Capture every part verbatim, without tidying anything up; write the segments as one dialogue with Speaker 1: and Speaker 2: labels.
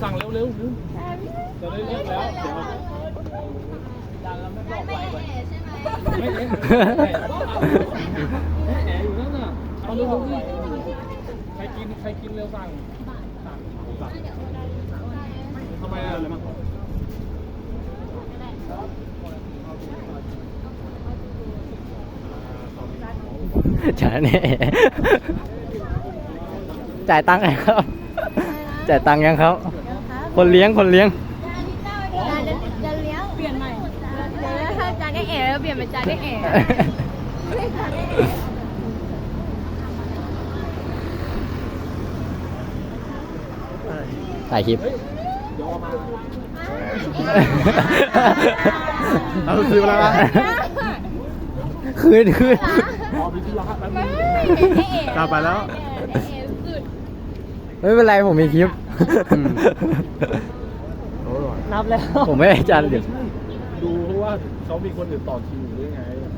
Speaker 1: สั่งเร็วเร็วจะได้เรียกแล้วเดี๋ยวจานเราไม่บอกไว้ไว้ไม่เอ็แหนอยู่นั่นน่ะเอาเร็วๆสิใครกินใครกินเร็วสั่งสั่งสั่งทำไมอะไรมั้ง
Speaker 2: จ่ายเนี่ยจ่ายตังค์ไงครับ จ่ายตังค์ยังครับ คนเลี้ยงคนเลี้ยง
Speaker 3: จะเลี้ยงเปลี่ยนใหม่เดี๋ยวถ้าจานได้เอ๋แล้วเปลี่ยนเป็นจานได้เอ๋
Speaker 2: ถ่ายคลิป
Speaker 1: เอาซื้อมาแล้วนะ
Speaker 2: คืนคืน
Speaker 1: กลับไปแล้ว
Speaker 2: ไม่เป็นไรผมมีคลิป
Speaker 1: นับแล้ว
Speaker 2: ผมไม่ได้จานเดี๋ยว
Speaker 1: ดูเพราะว่าเขามีคนอื่นต่อคิวอยู่ด้วยไง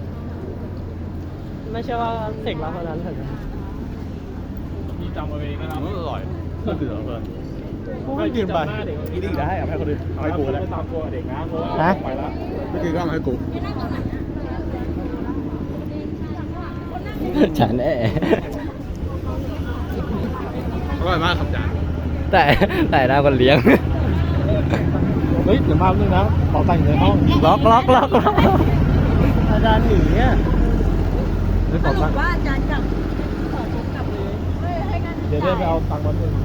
Speaker 1: ไม่ใช่ว่าเสกรับเท่านั้นเลยมีจำเอาเองนะครับอร่อยก็คืออร่อยไม่กินไปกินอีกได้เอาให้คนอื่นเอาให้กูแล้วตามตัวเด็กนะเพราะว่าไปแล้วไม่กินก็เอาให้กู
Speaker 2: ฉันแน่
Speaker 1: อร่อยมากครับจาน
Speaker 2: แต่แต่หน้าคนเลี้ยง
Speaker 1: เฮ้ยเดี๋ยวมาเรื่องนะขอตังค์อยู่ในห้อง
Speaker 2: ล็อกล็อกล็อกล็อก
Speaker 1: อาจารย์หนีอ่ะไม่ขอตังค์
Speaker 3: ว่าจานกลับขอทุกกลับเลยให้กัน
Speaker 1: เดี๋ยวได้ไปเอาตังค์มาหนึ่ง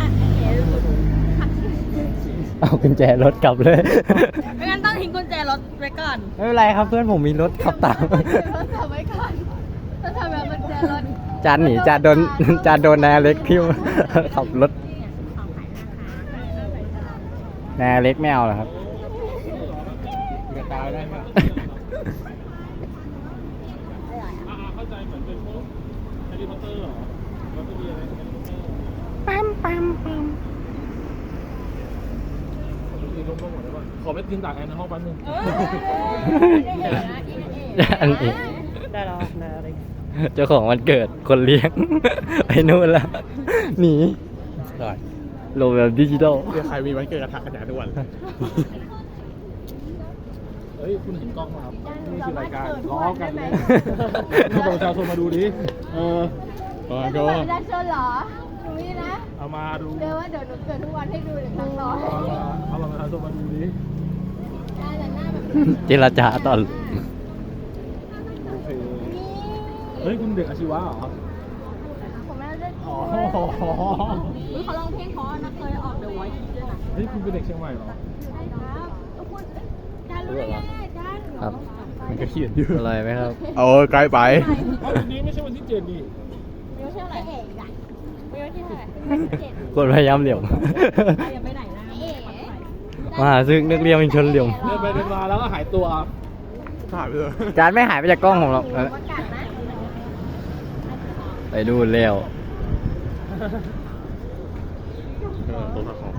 Speaker 2: เอากุญแจรถกลับเลย
Speaker 3: ไม่งั้นต้องทิ้งกุญแจรถไว้ก่อน
Speaker 2: ไม่เป็นไรครับเพื่อนผมมีรถขับตาม
Speaker 3: รถขับไว้ก่อนถ้าทำแบบกุญแจรถ
Speaker 2: จานหนีจานโดนจานโดนนายเล็กพิ้วขับรถนายเล็กไม่เอาเหรอครับ
Speaker 1: กระตายได้ไหมเข้าใจเหมือนเป็นพวกแฮร์รี่พอตเตอร์เหรอแล้วก็มีอะไรแฮร์รี่พอตเตอร์ปั๊มปั๊มปั๊มขอไปกินตากแอนในห้องแป๊บนึง
Speaker 2: อันนี้
Speaker 1: ได้แล้วได้อะไร
Speaker 2: เจ้าของวันเกิดคนเลี้ยง ไปนู่นแล้วหนีโลแบบดิจิตอล
Speaker 1: เดี๋ยวใครมีวันเกิดกระทะกระจายทุกวันเฮ้ยคุณเห็นกล้องไหมครับนี่คือรายการล้อกันเลยถ้าประชาชนมาดูดิเออมาก็
Speaker 3: ประชาชนเหรอหนูนี่นะ
Speaker 1: เอามาดู
Speaker 3: เดี๋ยวว่าเดี๋ยวหนูเกิดทุกวันให้ดูเดี๋ยวครั้งร้อย
Speaker 1: เอามาเอาประชาชนมาดูดิ
Speaker 3: ได้แต่หน้าแบบ
Speaker 2: เจรจาตอน
Speaker 1: โอเคเฮ้ยคุณเด็กอาชีวะเหรอ
Speaker 3: ผมไม่ได้
Speaker 1: อ๋อ
Speaker 3: อุ๊ยเขาร้องเพลงเพราะนะเคยออก The Voice ด้วยนะ
Speaker 1: เฮ้ยคุณเป็นเด็กเชียงใหม่เหรอ
Speaker 3: ใช่ครับเออคุณจานรู้ได้ไงจาน
Speaker 2: ครับ
Speaker 1: มันก็เขียนอยู่
Speaker 2: อร่อยไหมครับ
Speaker 1: เออไกลไปวันนี้ไม่ใช่วันที่เจ็ดนี่
Speaker 3: ไม่ใช่อะไรเอ๋อะไม่ใช่อะไรเจ็ด
Speaker 2: คนพยายามเหลี่ยม
Speaker 3: อย่าไปไหนนะเอ๋
Speaker 2: มหาซึ่งนักเรียนเป็นชนเหลี่ยม
Speaker 1: เดินไปเดินมาแล้วก็หายตัวหายไปเลย
Speaker 2: จานไม่หายไปจากกล้องของเรา
Speaker 3: ประกาศนะ
Speaker 2: ไปดูเร็ว
Speaker 1: เออตัวของ